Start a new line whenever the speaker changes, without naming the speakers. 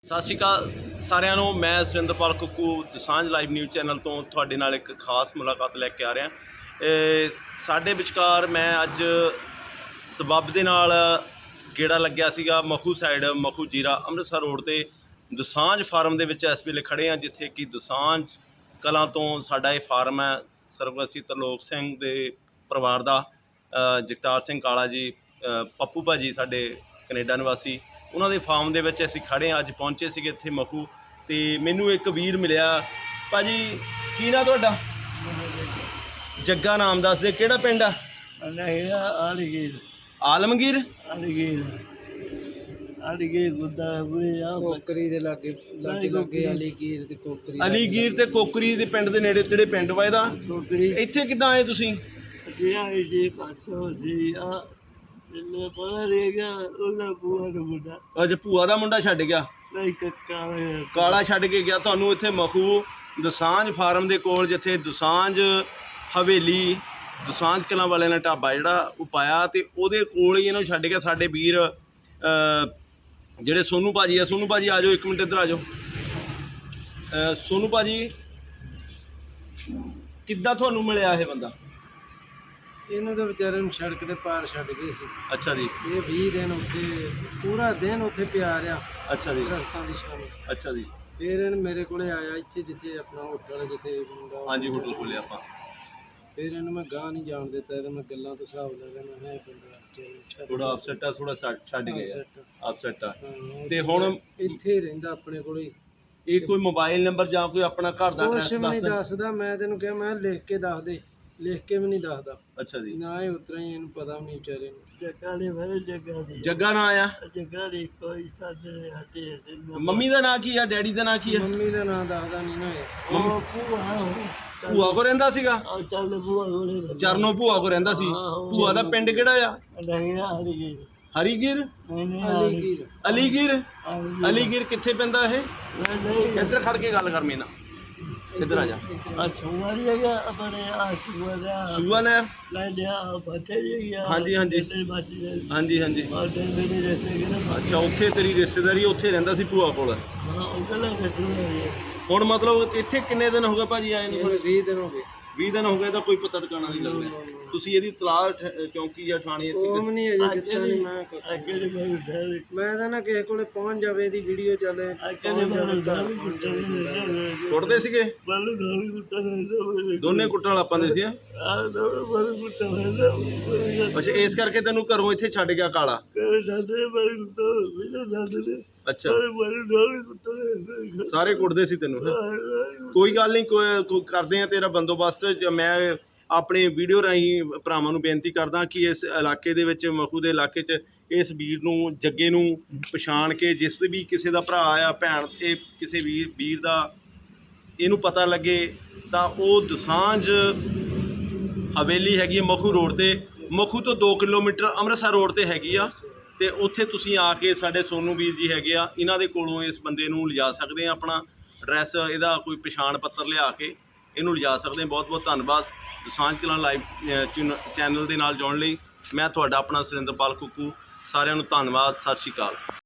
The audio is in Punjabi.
ਸਤਿ ਸ਼੍ਰੀ ਅਕਾਲ ਸਾਰਿਆਂ ਨੂੰ। ਮੈਂ Surinderpal Kukku Dosanjh live news channel ਤੋਂ ਤੁਹਾਡੇ ਨਾਲ ਇੱਕ ਖਾਸ ਮੁਲਾਕਾਤ ਲੈ ਕੇ ਆ ਰਿਹਾ। ਸਾਡੇ ਵਿਚਕਾਰ ਮੈਂ ਅੱਜ ਸਬੱਬ ਦੇ ਨਾਲ ਗੇੜਾ ਲੱਗਿਆ ਸੀਗਾ ਮਖੂ ਸਾਈਡ, ਮਖੂ ਜੀਰਾ ਅੰਮ੍ਰਿਤਸਰ ਰੋਡ ਤੇ ਦਸਾਂਝ ਫਾਰਮ ਦੇ ਵਿੱਚ ਇਸ ਵੇਲੇ ਖੜ੍ਹੇ ਹਾਂ, ਜਿੱਥੇ ਕਿ ਦਸਾਂਝ ਕਲਾਂ ਤੋਂ ਸਾਡਾ ਇਹ ਫਾਰਮ ਹੈ। ਸਰਵਗਸੀ ਤਰਲੋਕ ਸਿੰਘ ਦੇ ਪਰਿਵਾਰ ਦਾ, ਜਗਤਾਰ ਸਿੰਘ ਕਾਲਾ ਜੀ, ਪੱਪੂ ਭਾਜੀ ਸਾਡੇ ਕੈਨੇਡਾ ਨਿਵਾਸੀ, ਉਹਨਾਂ ਦੇ ਫਾਰਮ ਦੇ ਵਿੱਚ ਅਸੀਂ ਖੜ੍ਹੇ ਹਾਂ। ਅੱਜ ਪਹੁੰਚੇ ਸੀਗੇ ਇੱਥੇ ਮਖੂ, ਤੇ ਮੈਨੂੰ ਇੱਕ ਵੀਰ ਮਿਲਿਆ। ਭਾਜੀ ਕੀ ਨਾਂ ਤੁਹਾਡਾ? ਜੱਗਾ ਨਾਮ ਦੱਸਦੇ, ਕਿਹੜਾ ਪਿੰਡ ਆ?
ਆਲਮਗੀਰ
ਆਲਮਗੀਰ
ਕੋਕਰੀ ਦੇ ਲਾਗੇ ਅਲੀਗੀਰ ਤੇ ਕੋਕਰੀ,
ਅਲੀਗੀਰ ਤੇ ਕੋਕਰੀ ਦੇ ਪਿੰਡ ਦੇ ਨੇੜੇ ਤੇੜੇ ਪਿੰਡ ਵਾ ਇਹਦਾ। ਇੱਥੇ ਕਿੱਦਾਂ ਆਏ ਤੁਸੀਂ? ਅੱਜ ਭੂਆ ਦਾ ਮੁੰਡਾ ਛੱਡ ਗਿਆ, ਕਾਲਾ ਛੱਡ ਕੇ ਗਿਆ ਤੁਹਾਨੂੰ ਇੱਥੇ ਮਖੂ ਦਸਾਂਝ ਫਾਰਮ ਦੇ ਕੋਲ, ਜਿੱਥੇ ਦਸਾਂਝ ਹਵੇਲੀ ਦਸਾਂਝ ਕਲਾਂ ਵਾਲਿਆਂ ਨੇ ਢਾਬਾ ਜਿਹੜਾ ਉਹ ਪਾਇਆ, ਤੇ ਉਹਦੇ ਕੋਲ ਹੀ ਇਹਨੂੰ ਛੱਡ ਗਿਆ। ਸਾਡੇ ਵੀਰ ਜਿਹੜੇ ਸੋਨੂ ਭਾਜੀ ਆ, ਸੋਨੂ ਭਾਜੀ ਆ ਜਾਓ, ਇੱਕ ਮਿੰਟ ਇੱਧਰ ਆ ਜਾਓ। ਸੋਨੂ ਭਾਜੀ ਕਿੱਦਾਂ ਤੁਹਾਨੂੰ ਮਿਲਿਆ ਇਹ ਬੰਦਾ?
ਇਹਨੂੰ ਤਾਂ ਵਿਚਾਰੇ ਨੂੰ ਸੜਕ ਦੇ ਪਾਰ ਛੱਡ ਗਏ ਸੀ।
ਅੱਛਾ ਜੀ।
ਇਹ 20 ਦਿਨ ਉੱਥੇ, ਪੂਰਾ ਦਿਨ ਉੱਥੇ ਪਿਆ ਰਿਹਾ।
ਅੱਛਾ ਜੀ।
ਦਰਖਤਾਂ ਦੀ ਛਾਂ।
ਅੱਛਾ ਜੀ।
ਫਿਰ ਇਹਨੂੰ ਮੇਰੇ ਕੋਲੇ ਆਇਆ ਇੱਥੇ, ਜਿੱਥੇ ਆਪਣਾ ਹੋਟਲ, ਜਿੱਥੇ ਮੁੰਡਾ,
ਹਾਂਜੀ ਹੋਟਲ ਖੋਲ੍ਹਿਆ ਆਪਾਂ।
ਫਿਰ ਇਹਨੂੰ ਮੈਂ ਗਾਹ ਨਹੀਂ ਜਾਣ ਦਿੱਤਾ, ਇਹਦਾ ਮੈਂ ਗੱਲਾਂ ਤੋਂ ਹਿਸਾਬ ਲਾ ਲੈਣਾ ਹੈ ਬੰਦਾ
ਥੋੜਾ ਅਪਸੈਟ ਆ, ਥੋੜਾ ਛੱਡ ਗਿਆ ਅਪਸੈਟ ਆ। ਤੇ
ਹੁਣ
ਹੁਣ
ਇੱਥੇ ਰਹਿੰਦਾ ਆਪਣੇ ਕੋਲੇ।
ਇਹ ਕੋਈ ਮੋਬਾਈਲ ਨੰਬਰ ਜਾਂ ਕੋਈ ਆਪਣਾ ਘਰ ਦਾ ਐਡਰੈਸ
ਕੁਛ ਨਹੀਂ ਦੱਸਦਾ। ਮੈਂ ਤੈਨੂੰ ਕਿਹਾ ਮੈਂ ਲਿਖ ਕੇ ਦੱਸ ਦੇ, ਲਿਖ ਕੇ ਵੀ ਨਹੀਂ ਦੱਸਦਾ।
ਅੱਛਾ ਜੀ।
ਨਾ ਇਹ ਉਤਰਾ ਹੀ, ਇਹਨੂੰ ਪਤਾ ਵੀ ਨਹੀਂ ਵਿਚਾਰੇ ਨੂੰ।
ਜੱਗਾ ਨਾਂ ਆ? ਮੰਮੀ ਦਾ ਨਾਂ ਕੀ ਆ? ਡੈਡੀ ਦਾ ਨਾਂ ਕੀ ਆ?
ਮੰਮੀ ਦਾ ਨਾਂ ਦੱਸਦਾ ਨਹੀਂ ਨਾ।
ਭੂਆ ਕੋ ਰਹਿੰਦਾ ਸੀਗਾ? ਚਰਨੋ ਭੂਆ ਕੋ ਰਹਿੰਦਾ ਸੀ। ਭੂਆ ਦਾ ਪਿੰਡ ਕਿਹੜਾ ਆ? ਹਰੀਗੀਰ? ਅਲੀਗੀਰ? ਅਲੀਗੀਰ ਕਿੱਥੇ ਪੈਂਦਾ ਇਹ? ਇੱਧਰ ਖੜ ਕੇ ਗੱਲ ਕਰ ਮੇਰੇ ਨਾਲ, ਇੱਧਰ ਆ ਜਾ। ਸੂਆ ਨਹਿਰ? ਹਾਂਜੀ ਹਾਂਜੀ ਹਾਂਜੀ ਹਾਂਜੀ। ਅੱਛਾ, ਉੱਥੇ ਤੇਰੀ ਰਿਸ਼ਤੇਦਾਰੀ, ਉੱਥੇ ਰਹਿੰਦਾ ਸੀ ਭੂਆ ਕੋਲ। ਹੁਣ ਮਤਲਬ ਇੱਥੇ ਕਿੰਨੇ ਦਿਨ ਹੋ ਗਏ ਭਾਜੀ ਆਏ ਨੂੰ?
20 ਦਿਨ ਹੋ ਗਏ।
20 ਦਿਨ ਹੋ ਗਏ ਤਾਂ ਕੋਈ ਪਤਾ ਟਿਕਾਣਾ ਨਹੀਂ ਲੱਗਦਾ। ਤੁਸੀਂ ਇਹਦੀ ਤਲਾਸ਼ ਚੌਂਕੀ ਜਾਂ ਥਾਣੇ ਇੱਥੇ?
ਮੈਂ ਤਾਂ ਨਾ ਕਿਸੇ ਕੋਲੇ ਪਹੁੰਚ ਜਾਵੇ, ਇਹਦੀ ਵੀਡੀਓ ਚੱਲੇ।
ਕੁੱਟਦੇ ਸੀਗੇ ਦੋਨੇ? ਕੁੱਟਣ ਵਾਲਾ ਪਾਉਂਦੇ ਸੀ? ਅੱਛਾ, ਇਸ ਕਰਕੇ ਤੈਨੂੰ ਘਰੋਂ ਇੱਥੇ ਛੱਡ ਗਿਆ ਕਾਲਾ? ਅੱਛਾ, ਸਾਰੇ ਕੁੱਟਦੇ ਸੀ ਤੈਨੂੰ? ਕੋਈ ਗੱਲ ਨਹੀਂ, ਕੋਈ ਕਰਦੇ ਆ ਤੇਰਾ ਬੰਦੋਬਸਤ। ਮੈਂ ਆਪਣੇ ਵੀਡੀਓ ਰਾਹੀਂ ਭਰਾਵਾਂ ਨੂੰ ਬੇਨਤੀ ਕਰਦਾ ਕਿ ਇਸ ਇਲਾਕੇ ਦੇ ਵਿੱਚ, ਮਖੂ ਦੇ ਇਲਾਕੇ 'ਚ, ਇਸ ਵੀਰ ਨੂੰ, ਜੱਗੇ ਨੂੰ ਪਛਾਣ ਕੇ, ਜਿਸ ਵੀ ਕਿਸੇ ਦਾ ਭਰਾ ਆ, ਭੈਣ, ਇਹ ਕਿਸੇ ਵੀਰ ਦਾ ਇਹਨੂੰ ਪਤਾ ਲੱਗੇ, ਤਾਂ ਉਹ ਦਸਾਂਝ ਹਵੇਲੀ ਹੈਗੀ ਹੈ ਮਖੂ ਰੋਡ ਤੇ। ਮਖੂ ਤੋਂ 2 ਕਿਲੋਮੀਟਰ ਅੰਮ੍ਰਿਤਸਰ ਰੋਡ ਤੇ ਹੈਗੀ ਆ, ਤੇ ਉੱਥੇ ਤੁਸੀਂ ਆ ਕੇ ਸਾਡੇ ਸੋਨੂ ਵੀਰ ਜੀ ਹੈਗੇ ਆ, ਇਹਨਾਂ ਦੇ ਕੋਲੋਂ ਇਸ ਬੰਦੇ ਨੂੰ ਲਿਜਾ ਸਕਦੇ ਆ। ਆਪਣਾ ਐਡਰੈਸ, ਇਹਦਾ ਕੋਈ ਪਛਾਣ ਪੱਤਰ ਲਿਆ ਕੇ ਇਹਨੂੰ ਲਿਜਾ ਸਕਦੇ ਆ। ਬਹੁਤ ਬਹੁਤ ਧੰਨਵਾਦ ਦਸਾਂਝ ਕਲਾਂ ਲਾਈਵ ਚੈਨਲ ਦੇ ਨਾਲ ਜੁੜਨ ਲਈ। ਮੈਂ ਤੁਹਾਡਾ ਆਪਣਾ ਸੁਰਿੰਦਰਪਾਲ ਕੁੱਕੂ। ਸਾਰਿਆਂ ਨੂੰ ਧੰਨਵਾਦ। ਸਤਿ ਸ਼੍ਰੀ ਅਕਾਲ।